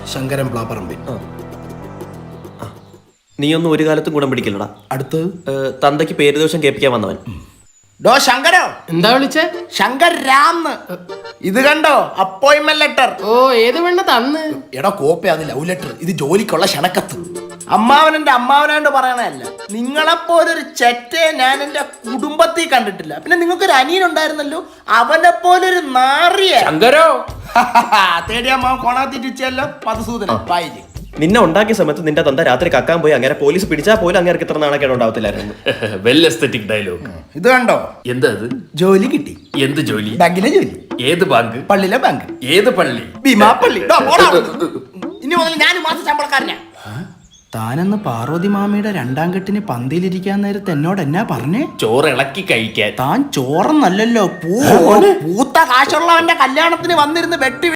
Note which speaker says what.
Speaker 1: ശങ്കരൻ പ്ലാപ്പറമ്പിൽ.
Speaker 2: നീയൊന്നും ഒരു കാലത്തും ഗുണം പിടിക്കില്ലടാ.
Speaker 1: അടുത്ത്
Speaker 2: തന്തയ്ക്ക് പേരുദോഷം കേൾപ്പിക്കാൻ വന്നവൻ.
Speaker 1: ഡോ ശങ്കരോ,
Speaker 3: എന്താ വിളിച്ചേ?
Speaker 1: ശങ്കർ രാംന്ന്. ഇത് കണ്ടോ, അപ്പോയിന്റ്മെന്റ് ലെറ്റർ.
Speaker 3: ഓ, ഏത് വേണ്ട തന്ന്?
Speaker 1: എടാ കോപ്പി, അത് ലവ് ലെറ്റർ. ഇത് ജോലിക്കുള്ള ക്ഷണക്കത്ത്. അമ്മാവനെന്റെ അമ്മാവനാണ്ട് പറയണല്ല. നിങ്ങളെപ്പോലൊരു ചെറ്റയെ ഞാൻ എന്റെ കുടുംബത്തിൽ കണ്ടിട്ടില്ല. പിന്നെ നിങ്ങൾക്കൊരു അനിയൻ ഉണ്ടായിരുന്നല്ലോ, അവനെ പോലൊരു നാറിയ.
Speaker 3: ശങ്കരോ,
Speaker 1: തേടിയ അമ്മാവൻ കോണാത്തിച്ചല്ലോ മധുസൂദന പായില്.
Speaker 2: നിന്നെ ഉണ്ടാക്കിയ സമയത്ത് നിന്റെ തന്ത രാത്രി കക്കാൻ പോയി അങ്ങനെ പോലീസ് പിടിച്ചാൽ പോലും അങ്ങനെ ഇത്ര നാണക്കേട് ഉണ്ടാവത്തില്ലായിരുന്നു.
Speaker 4: Well aesthetic dialogue.
Speaker 1: ഇത് കണ്ടോ,
Speaker 4: എന്താ അത്?
Speaker 1: ജോലി കിട്ടി.
Speaker 4: എന്ത് ജോലി?
Speaker 1: ബാങ്കിലെ ജോലി.
Speaker 4: ഏത് ബാങ്ക്?
Speaker 1: പള്ളിയിലെ ബാങ്ക്.
Speaker 4: ഏത് പള്ളി?
Speaker 1: ഭീമാപ്പള്ളി. ഇനി മുതൽ ഞാൻ മാസം ശമ്പളക്കാരനാ. താനെന്ന് പാർവതി മാമിയുടെ രണ്ടാം കെട്ടിന് പന്തിയിലിരിക്കാൻ നേരത്തെ എന്നോട് എന്നാ പറഞ്ഞേ?
Speaker 4: ചോറ് ഇളക്കി കഴിക്കാൻ.
Speaker 1: താൻ ചോറന്നല്ലല്ലോ, പൂത്ത കാശുള്ളവന്റെ കല്യാണത്തിന് വന്നിരുന്ന് വെട്ടി